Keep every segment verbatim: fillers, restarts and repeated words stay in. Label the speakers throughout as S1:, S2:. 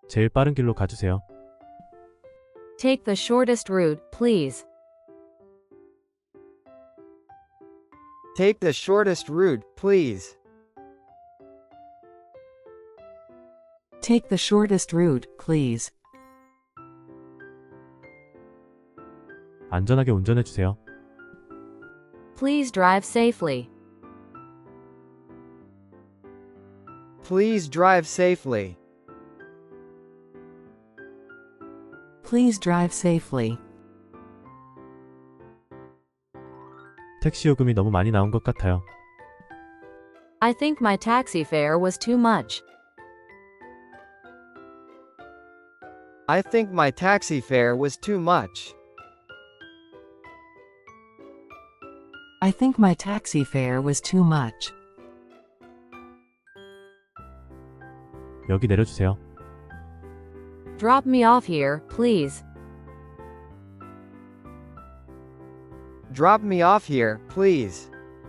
S1: 제일 빠른 길로 가주세요.
S2: Take the shortest route, please.
S3: Take the shortest route, please.
S4: Take the shortest route, please.
S1: 안전하게 운전해주세요.
S2: Please drive safely.
S3: Please drive safely.
S4: Please drive safely.
S1: 택시 요금이 너무 많이 나온 것 같아요.
S2: I think my taxi fare was too much.
S3: I think my taxi fare was too much.
S4: I think my taxi fare was too much.
S1: 여기 내려주세요.
S2: Drop me off here, please.
S3: Drop me off here, please.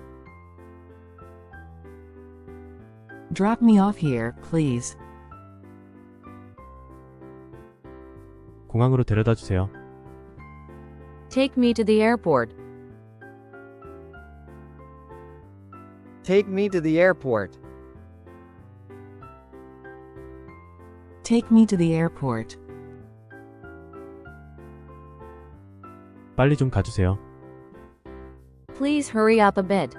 S4: Drop me off here, please.
S1: 공항으로 데려다 주세요.
S2: Take me to the airport.
S3: Take me to the airport.
S4: Take me to the airport.
S1: 빨리 좀 가주세요.
S2: Please hurry up a bit.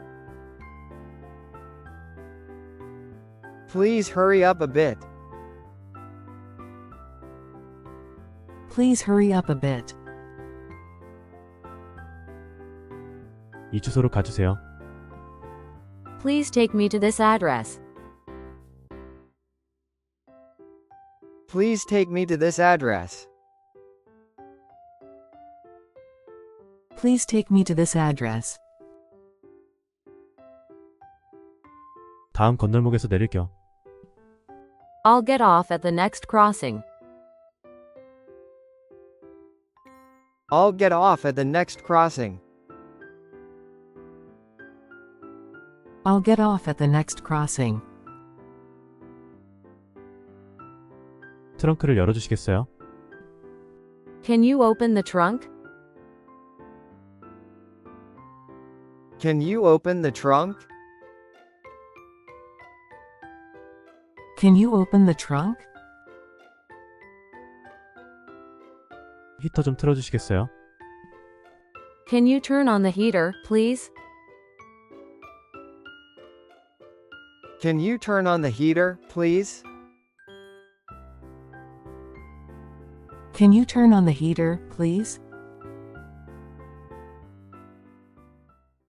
S3: Please hurry up a bit.
S4: Please hurry up a bit.
S1: 이 주소로 가주세요.
S2: Please take me to this address.
S3: Please take me to this address.
S4: Please take me to this address.
S1: 다음 건널목에서 내릴게요.
S2: I'll get off at the next crossing.
S3: I'll get off at the next crossing.
S4: I'll get off at the next crossing.
S1: 트렁크를 열어주시겠어요?
S2: Can you open the trunk?
S3: Can you open the trunk?
S4: Can you open the trunk?
S1: 히터 좀 틀어주시겠어요?
S2: Can you turn on the heater, please?
S3: Can you turn on the heater, please?
S4: Can you turn on the heater, please?